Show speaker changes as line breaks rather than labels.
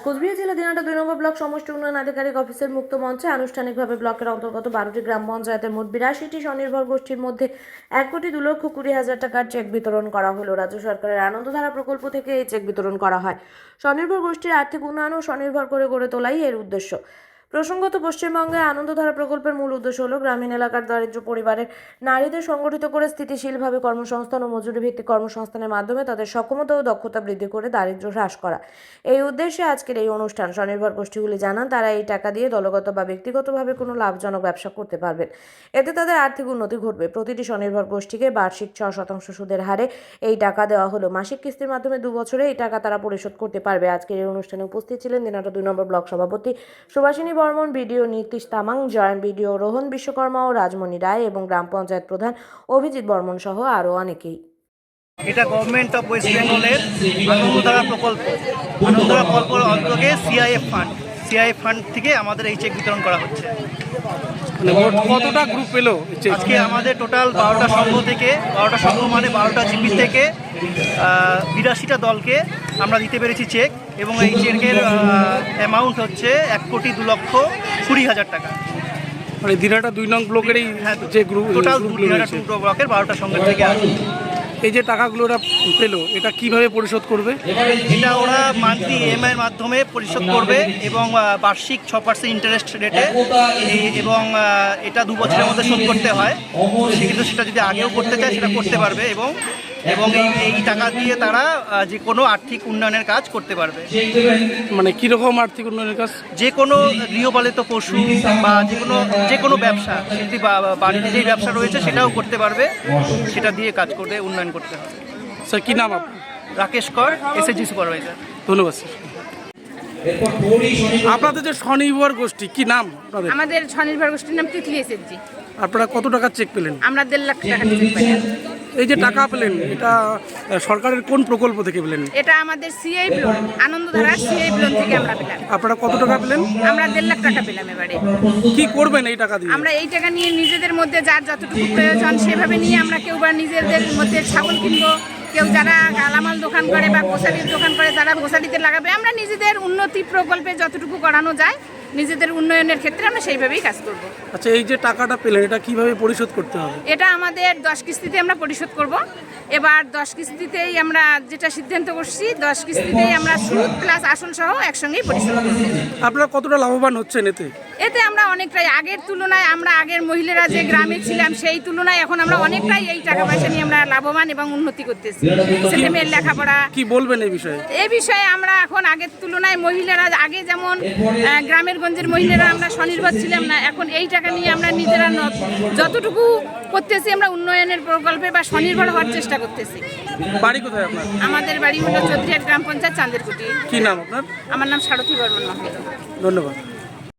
কোচবিহার জেলা দিনাটা ২ নম্বর ব্লক সমষ্টি উন্নয়ন আধিকারিক অফিসের মুক্ত মঞ্চে আনুষ্ঠানিকভাবে ব্লকের অন্তর্গত ১২টি গ্রাম পঞ্চায়েতের মোট ৮২টি স্বনির্ভর গোষ্ঠীর মধ্যে ১,২,২,০০,০০০ টাকার চেক বিতরণ করা হলো। রাজ্য সরকারের আনন্দধারা প্রকল্প থেকে এই চেক বিতরণ করা হয়। স্বনির্ভর গোষ্ঠীর আর্থিক উন্নয়ন ও স্বনির্ভর করে গড়ে তোলাই এর উদ্দেশ্য। প্রসঙ্গত, পশ্চিমবঙ্গে আনন্দধারা প্রকল্পের মূল উদ্দেশ্য হল গ্রামীণ এলাকার দরিদ্র পরিবারের নারীদের সংগঠিত করে স্থিতিশীলভাবে কর্মসংস্থান ও মজুরি ভিত্তিক কর্মসংস্থানের মাধ্যমে তাদের সক্ষমতা ও দক্ষতা বৃদ্ধি করে দারিদ্র্য হ্রাস করা। এই উদ্দেশ্যে আজকের এই অনুষ্ঠান। স্বনির্ভর গোষ্ঠীগুলি জানান, তারা এই টাকা দিয়ে দলগত বা ব্যক্তিগতভাবে কোনো লাভজনক ব্যবসা করতে পারবেন। এতে তাদের আর্থিক উন্নতি ঘটবে। প্রতিটি স্বনির্ভর গোষ্ঠীকে বার্ষিক 6% সুদের হারে এই টাকা দেওয়া হলো। মাসিক কিস্তির মাধ্যমে 2 বছরে এই টাকা তারা পরিশোধ করতে পারবে। আজকের এই অনুষ্ঠানে উপস্থিত ছিলেন দিনাটা 2 নম্বর ব্লক সভাপতি Subhashini Barman, BDO Nitish Tamang, joint BDO Rohan Bishwakarma ও রাজমণি রায় এবং গ্রাম পঞ্চায়েত প্রধান অভিজিৎ বর্মন সহ আরও অনেকেই।
এটা গভর্নমেন্ট অফ ওয়েস্ট বেঙ্গলের আনন্দধারা প্রকল্প। আনন্দধারা প্রকল্পের অন্তর্গতে সিআইএফ ফান্ড থেকে আমাদের এই চেক বিতরণ করা হচ্ছে।
কতটা গ্রুপ পেলো
আজকে আমাদের টোটাল 12টা সংঘ থেকে 12টা সংঘ মানে 12টা জিপি থেকে 82টা দলকে আমরা দিতে পেরেছি চেক, এবং এই চেকের অ্যামাউন্ট হচ্ছে 1,02,20,০০০ টাকা।
মানে দিনাটা 2 নং ব্লকের এই যে গ্রুপ
টোটাল দিনাটা 2 ব্লকের 12টা সংঘের থেকে আছে।
এই যে টাকাগুলো ওরা পেলো, এটা কিভাবে পরিশোধ করবে?
এটা ওরা মান্থলি ইএমআই এর মাধ্যমে পরিশোধ করবে এবং বার্ষিক 6% ইন্টারেস্ট রেটে, এবং এটা 2 বছরের মধ্যে শোধ করতে হয়। সেক্ষেত্রে সেটা যদি আগেও করতে চায় সেটা করতে পারবে, এবং এই টাকা দিয়ে তারা যে কোনো আর্থিক উন্নয়নের কাজ করতে পারবে।
মানে কীরকম আর্থিক উন্নয়নের কাজ?
যে কোনো গৃহপালিত পশু বা যে কোনো ব্যবসা, যদি বাড়িতে যেই ব্যবসা রয়েছে সেটাও করতে পারবে। সেটা দিয়ে কাজ করতে উন্নয়ন করতে হবে।
স্যার কী নাম আপনার?
রাকেশ কর, এসএসজি সুপারভাইজার।
ধন্যবাদ স্যার। আপনাদের যে স্বনির্ভর গোষ্ঠী, কি নাম আপনাদের?
আমাদের স্বনির্ভর গোষ্ঠীর নাম তিতলি এসএসজি।
আপনারা কত টাকার চেক পেলেন?
আমরা 1.5 লাখ টাকা চেক পেলাম।
এই যে টাকা পেলেন, এটা সরকারের কোন প্রকল্প থেকে পেলেন?
এটা আমাদের CI loan, Anandadhara CI loan থেকে আমরা পেলাম।
আপনারা কত টাকা পেলেন?
আমরা 1.5 লাখ টাকা পেলাম। এবারে
কি করবেন এই টাকা দিয়ে?
আমরা এই টাকা নিয়ে নিজেদের মধ্যে যার যতটুকু প্রয়োজন সেভাবে নিয়ে আমরা কেউ বা নিজেদের মধ্যে ছাগল কিনবো, কেউ যারা গালামাল দোকান করে বা গোসালির দোকান করে তারা গোসালিতে লাগাবে। আমরা নিজেদের উন্নতি প্রকল্পে যতটুকু করানো যায় নিজেদের উন্নয়নের ক্ষেত্রে আমরা সেইভাবেই কাজ করব।
আচ্ছা, এই যে টাকাটা পেলেন, এটা কিভাবে পরিশোধ করতে হবে?
এটা আমাদের 10 কিস্তিতে আমরা পরিশোধ করব। এবার 10 কিস্তিতেই আমরা যেটা সিদ্ধান্ত করছি, 10 কিস্তিতেই আমরা সুদ প্লাস আসল সহ একসঙ্গেই পরিশোধ করব।
আপনারা কতটা লাভবান হচ্ছেন এতে?
এতে আমরা অনেকটাই, আগের তুলনায় আমরা আগের মহিলারা যে গ্রামে ছিলাম সেই তুলনায় এখন আমরা অনেকটাই এই টাকা পয়সা নিয়ে আমরা লাভবান এবং উন্নতি করতেছি। ছেলেমেয়ের লেখাপড়া।
কি বলবেন এই বিষয়ে?
এই বিষয়ে আমরা এখন আগের তুলনায় মহিলারা, আগে যেমন গ্রামের গঞ্জের মহিলারা আমরা স্বনির্ভর ছিলাম না, এখন এই টাকা নিয়ে আমরা নিজেরা যতটুকু করতেছি আমরা উন্নয়নের প্রকল্পে বা স্বনির্ভর হওয়ার চেষ্টা করতেছি।
বাড়ি কোথায় আপনার?
আমাদের বাড়ি হলো চৌধুরীহাট গ্রাম পঞ্চায়েত, চাঁদেরকুটি।
কি নাম আপনার?
আমার নাম সারথী বর্মন মহন্ত।
ধন্যবাদ।